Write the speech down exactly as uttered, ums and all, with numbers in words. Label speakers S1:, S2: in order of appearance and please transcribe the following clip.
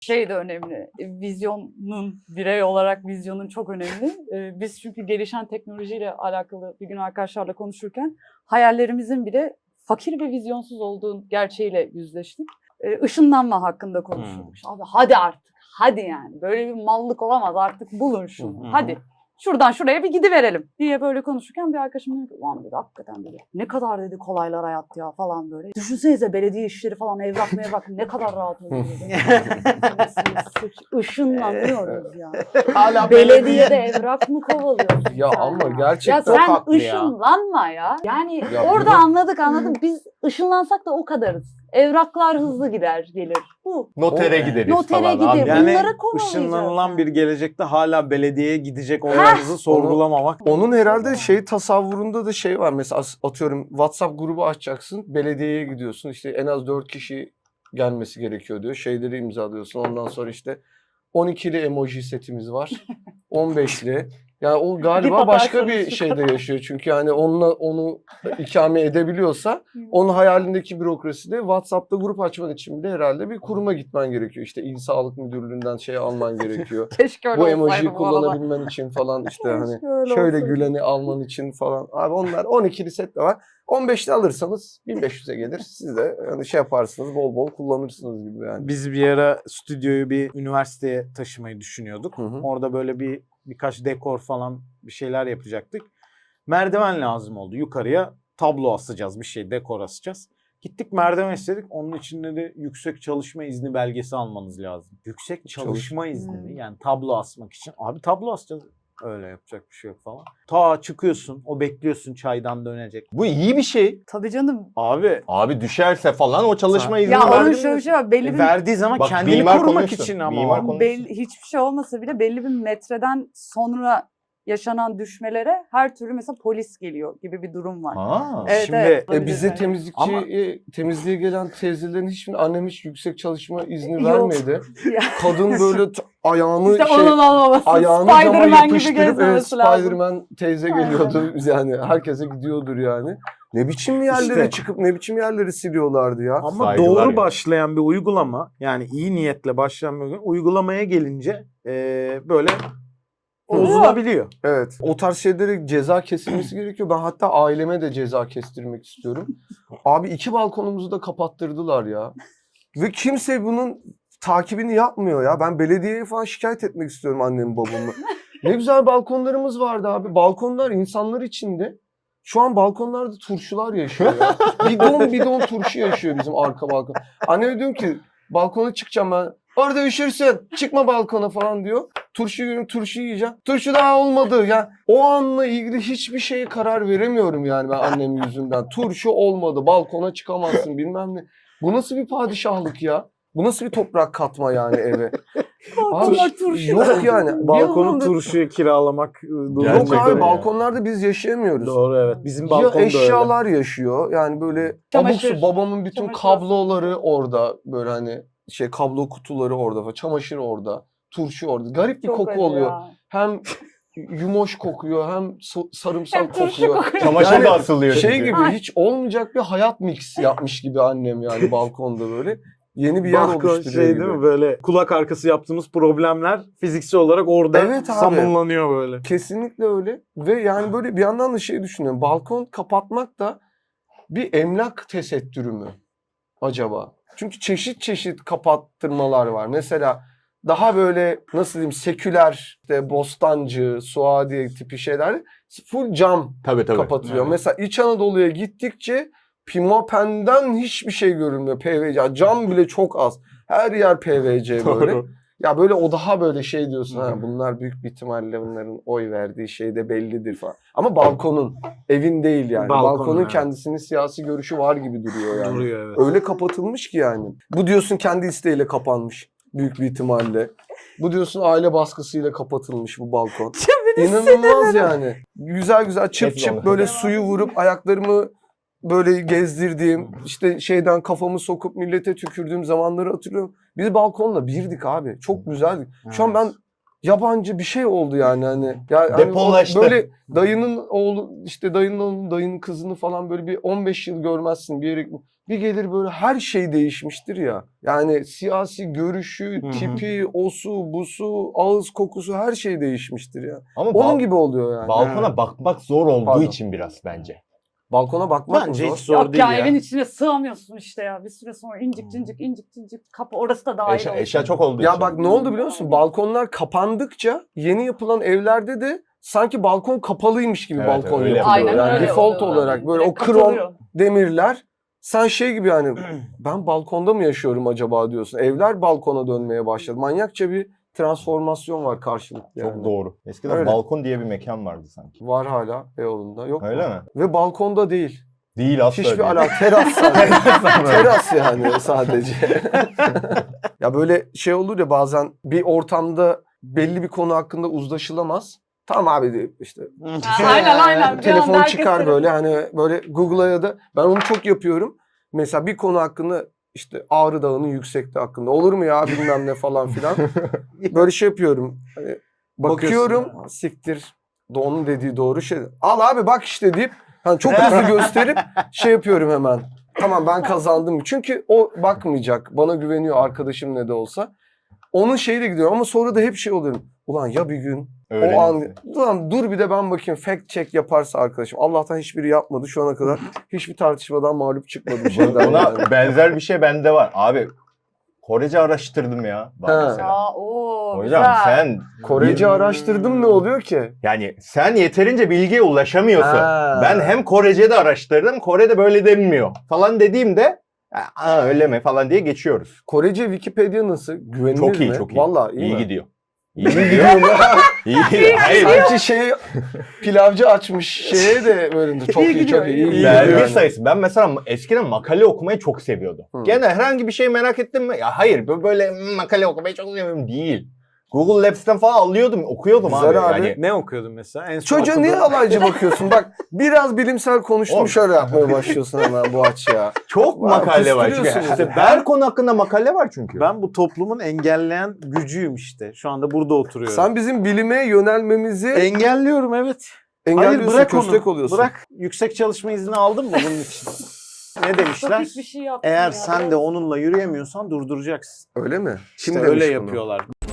S1: Şey de önemli, vizyonun, birey olarak vizyonun çok önemli. Ee, biz çünkü gelişen teknolojiyle alakalı bir gün arkadaşlarla konuşurken hayallerimizin bile fakir ve vizyonsuz olduğu gerçeğiyle yüzleştik. Ee, ışınlanma hakkında konuştuk. Hmm. Abi hadi artık, hadi yani. Böyle bir mallık olamaz artık, bulun şunu, hmm. hadi. Şuradan şuraya bir gidiverelim diye böyle konuşurken bir arkadaşım dedi ki ulan dedi hakikaten dedi ne kadar dedi kolaylar hayat ya falan böyle. Düşünsenize belediye işleri falan evrak mevrak ne kadar rahat oluyor dedi. Işınlanıyoruz ya. Hala belediyede evrak mı kovalıyorsun
S2: ya
S1: sen
S2: ama
S1: ya?
S2: gerçekten
S1: ya sen ışınlanma ya. ya. Yani ya orada bunu... anladık anladık biz ışınlansak da o kadarız. Evraklar hızlı gider gelir. Bu.
S3: Notere gideriz
S1: Notere
S3: falan.
S1: gider.
S4: Yani
S1: bunları kovalayacağız.
S4: Işınlanılan
S1: yani.
S4: bir gelecekte hala belediyeye gidecek olayınızı sorgulamamak.
S2: Onun, onun herhalde şey tasavvurunda da şey var. Mesela atıyorum WhatsApp grubu açacaksın. Belediyeye gidiyorsun. İşte en az dört kişi gelmesi gerekiyor diyor. Şeyleri imzalıyorsun. Ondan sonra işte on ikili emoji setimiz var. on beşli. Yani o galiba başka bir şeyde yaşıyor. Çünkü yani onunla onu ikame edebiliyorsa onun hayalindeki bürokraside WhatsApp'ta grup açman için bile herhalde bir kuruma gitmen gerekiyor. İşte İl Sağlık Müdürlüğü'nden şey alman gerekiyor.
S1: Keşke öyle
S2: bu emojiyi
S1: bu
S2: kullanabilmen için falan işte hani şöyle olsaydı. Güleni alman için falan. Abi onlar on ikili set de var. on beşli alırsanız bin beş yüze gelir. Siz de yani şey yaparsınız bol bol kullanırsınız gibi yani.
S4: Biz bir ara stüdyoyu bir üniversiteye taşımayı düşünüyorduk. Hı hı. Orada böyle bir birkaç dekor falan bir şeyler yapacaktık. Merdiven lazım oldu. Yukarıya tablo asacağız, bir şey dekor asacağız. Gittik merdiven istedik. Onun için de yüksek çalışma izni belgesi almanız lazım. Yüksek çalışma Çalış- izni mi? Yani tablo asmak için. Abi tablo asacağız. Öyle yapacak bir şey yok falan. Ta çıkıyorsun, o bekliyorsun çaydan dönecek.
S3: Bu iyi bir şey.
S1: Tabii canım.
S4: Abi.
S3: Abi düşerse falan o çalışma izni
S1: ya
S3: verdi.
S1: onun şöyle bir şey var. Belli
S4: e,
S1: bir...
S4: Verdiği zaman bak, kendini korumak konuştu. için ama.
S1: Belli, hiçbir şey olmasa bile belli bir metreden sonra yaşanan düşmelere her türlü mesela polis geliyor gibi bir durum var.
S3: Ha.
S1: Evet,
S4: Şimdi
S1: evet,
S2: e, bize temizlikçi
S4: ama...
S2: e, temizliğe gelen teyzelerin hiçbir annem hiç yüksek çalışma izni vermedi. Kadın böyle t- ayağını
S1: işte
S2: şey ayağını cama yapıştırıp evet, Spider-Man teyze geliyordu yani herkese gidiyordur yani. Ne biçim yerlere işte, çıkıp ne biçim yerleri siliyorlardı ya.
S4: Ama
S3: Saygılar
S4: doğru
S3: ya.
S4: başlayan bir uygulama yani iyi niyetle başlayan bir uygulama, uygulamaya gelince ee, böyle bozulabiliyor.
S2: Evet. O tarz şeylere ceza kesilmesi gerekiyor. Ben hatta aileme de ceza kestirmek istiyorum. Abi iki balkonumuzu da kapattırdılar ya. Ve kimse bunun takibini yapmıyor ya. Ben belediyeye falan şikayet etmek istiyorum annemi babamı. Ne güzel balkonlarımız vardı abi. Balkonlar insanlar içinde. Şu an balkonlarda turşular yaşıyor ya. Bidon bidon turşu yaşıyor bizim arka balkon. Anneme diyorum ki balkona çıkacağım ben. Orada üşürsün. Çıkma balkona falan diyor. Turşu yiyorum, turşu yiyeceğim. Turşu daha olmadı. Yani o anla ilgili hiçbir şeye karar veremiyorum yani ben annem yüzünden. Turşu olmadı. Balkona çıkamazsın bilmem ne. Bu nasıl bir padişahlık ya? Bu nasıl bir toprak katma yani eve? Abi turşu yok yani.
S4: Balkonu
S2: anlamda...
S4: turşuya kiralamak.
S2: Yok abi ya. Balkonlarda biz yaşayamıyoruz.
S4: Doğru evet. Bizim balkon
S2: ya eşyalar öyle. Yaşıyor. Yani böyle
S1: Çamaşır.
S2: abuk babamın bütün Çamaşır. kabloları orada böyle hani şey kablo kutuları orada, çamaşır orada, turşu orada. Garip bir Çok koku oluyor. Ya. Hem yumoş kokuyor, hem sarımsak hem kokuyor. kokuyor.
S3: Çamaşır yani da asılıyor.
S2: Şey
S3: çünkü.
S2: gibi hiç olmayacak bir hayat mix yapmış gibi annem yani balkonda böyle. Yeni bir yer
S4: Balkon
S2: oluşturuyor
S4: şey
S2: gibi.
S4: Değil mi böyle kulak arkası yaptığımız problemler fiziksel olarak orada evet samımlanıyor böyle.
S2: Kesinlikle öyle. Ve yani böyle bir yandan da şey düşünüyorum. Balkon kapatmak da bir emlak tesettürü mü acaba? Çünkü çeşit çeşit kapattırmalar var. Mesela daha böyle nasıl diyeyim seküler, işte Bostancı, Suadiye tipi şeyler full cam
S3: tabii, tabii.
S2: kapatıyor.
S3: Evet.
S2: Mesela İç Anadolu'ya gittikçe pimapen'den hiçbir şey görünmüyor. P V C. Cam bile çok az. Her yer P V C böyle. Ya böyle o daha böyle şey diyorsun. Ha, bunlar büyük bir ihtimalle bunların oy verdiği şey de bellidir falan. Ama balkonun, evin değil yani.
S4: Balkonun,
S2: Balkonun
S4: evet.
S2: kendisinin siyasi görüşü var gibi duruyor yani.
S4: Duruyor, evet.
S2: Öyle kapatılmış ki yani. Bu diyorsun kendi isteğiyle kapanmış. Büyük bir ihtimalle. Bu diyorsun aile baskısıyla kapatılmış bu balkon. İnanılmaz yani. Güzel güzel çıp çıp böyle suyu vurup ayaklarımı böyle gezdirdiğim, işte şeyden kafamı sokup millete tükürdüğüm zamanları hatırlıyorum. Biz balkonla birdik abi. Çok güzeldik. Şu an ben yabancı bir şey oldu yani hani. Ya
S3: Depolaştı.
S2: Hani böyle dayının oğlu işte dayının oğlu, dayının kızını falan böyle bir on beş yıl görmezsin bir yere. Bir gelir böyle her şey değişmiştir ya. Yani siyasi görüşü,
S3: Hı hı.
S2: tipi, osu, busu, ağız kokusu her şey değişmiştir ya.
S3: Ama
S2: Onun
S3: bal-
S2: gibi oluyor yani.
S3: balkona
S4: Evet.
S3: bakmak zor olduğu
S2: Pardon.
S3: için biraz bence.
S2: Balkona bakmak mı
S4: Bence
S2: zor?
S4: hiç zor
S1: Yok
S4: değil
S1: ya,
S4: ya.
S1: evin içine sığamıyorsun işte ya. Bir süre sonra incik cincik incik cincik kapı orası da dahil
S3: Eşya,
S1: olsun.
S3: eşya çok olduğu
S2: Ya
S3: için.
S2: bak ne oldu biliyor musun? Balkonlar kapandıkça yeni yapılan evlerde de sanki balkon kapalıymış gibi
S3: Evet,
S2: balkon
S3: öyle.
S2: yapılıyor.
S1: Aynen
S2: Yani
S1: öyle
S2: default
S1: oluyor.
S2: olarak böyle o
S1: Direkt
S2: krom
S1: katılıyor.
S2: demirler. Sen şey gibi yani ben balkonda mı yaşıyorum acaba diyorsun. Evler balkona dönmeye başladı. Manyakça bir transformasyon var karşılıklı
S3: Çok
S2: yani.
S3: doğru. Eskiden
S2: Öyle.
S3: balkon diye bir mekan vardı sanki.
S2: Var hala Beyoğlu'nda. Yok
S3: Öyle
S2: mu?
S3: mi?
S2: Ve balkonda değil.
S3: Değil asla
S2: Hiçbir
S3: değil.
S2: alakası. Teras sadece. Teras yani sadece. Ya böyle şey olur ya bazen bir ortamda belli bir konu hakkında uzlaşılamaz. Tamam abi deyip işte
S1: Ha, aynen aynen. Bir
S2: telefon
S1: anda
S2: çıkar
S1: herkes
S2: böyle hani böyle Google'a ya da ben onu çok yapıyorum. Mesela bir konu hakkında işte Ağrı Dağı'nın yüksekliği hakkında olur mu ya bilmem ne falan filan. Böyle şey yapıyorum. Hani bakıyorum siktir onun dediği doğru şey. Al abi bak işte deyip hani çok hızlı gösterip şey yapıyorum hemen. Tamam ben kazandım. Çünkü o bakmayacak. Bana güveniyor arkadaşım ne de olsa. Onun şeyiyle gidiyorum ama sonra da hep şey oluyorum. Ulan ya bir gün o an
S3: Öğrenirsin.
S2: ulan dur bir de ben bakayım fact check yaparsa arkadaşım. Allah'tan hiçbiri yapmadı şu ana kadar. Hiçbir tartışmadan mağlup çıkmadım şeyden.
S3: Buna
S2: yani.
S3: benzer bir şey bende var. Abi Korece araştırdım ya. Bak
S2: He.
S3: mesela.
S1: Aa, oo,
S3: Hocam
S1: güzel.
S3: sen
S2: Korece araştırdım ne oluyor ki?
S3: yani sen yeterince bilgiye ulaşamıyorsun.
S2: Ha.
S3: Ben hem Korece de araştırdım. Kore'de böyle denmiyor falan dediğimde aa öyle mi falan diye geçiyoruz.
S2: Korece Wikipedia nasıl? Güvenilir
S3: Çok iyi
S2: mi?
S3: çok iyi.
S2: Vallahi iyi,
S3: iyi
S2: mi?
S3: gidiyor. İyi
S2: İyi
S3: gidiyor.
S2: gidiyor mu?
S3: İyi gidiyor. Hayır.
S2: Sanki şey pilavcı açmış şeye de böyle çok iyi,
S1: gidiyor,
S2: çok iyi.
S1: iyi
S2: iyi
S3: Belge
S2: gidiyor.
S3: sayısı. Ben mesela eskiden makale okumayı çok seviyordum.
S2: Hı.
S3: Gene herhangi bir şey merak ettim mi? Ya hayır böyle makale okumayı çok seviyorum değil. Google Labs'ten falan alıyordum, okuyordum
S2: Güzel
S3: abi.
S2: abi.
S3: Yani
S4: Ne okuyordun mesela? En son
S2: Çocuğa
S4: okuduğun-
S2: niye alaycı bakıyorsun? Bak biraz bilimsel konuştum
S3: Oğlum.
S2: şöyle yapmaya başlıyorsun hemen bu aç ya.
S3: çok
S2: Var,
S3: makale var. Çünkü
S2: kıstırıyorsunuz
S3: işte
S2: ya.
S3: her konu hakkında makale var çünkü.
S4: Ben bu toplumun engelleyen gücüyüm işte. Şu anda burada oturuyorum.
S2: Sen bizim bilime yönelmemizi
S4: engelliyorum evet.
S2: engelliyorsun,
S4: Hayır bırak
S2: köstek
S4: onu.
S2: oluyorsun.
S4: Bırak. Yüksek çalışma izni aldın mı bunun için? Ne demişler?
S1: Çok hiçbir şey yaptım
S4: Eğer
S1: ya.
S4: sen de onunla yürüyemiyorsan durduracaksın.
S2: Öyle mi?
S4: İşte
S2: Kim
S4: öyle
S2: demiş bunu?
S4: yapıyorlar.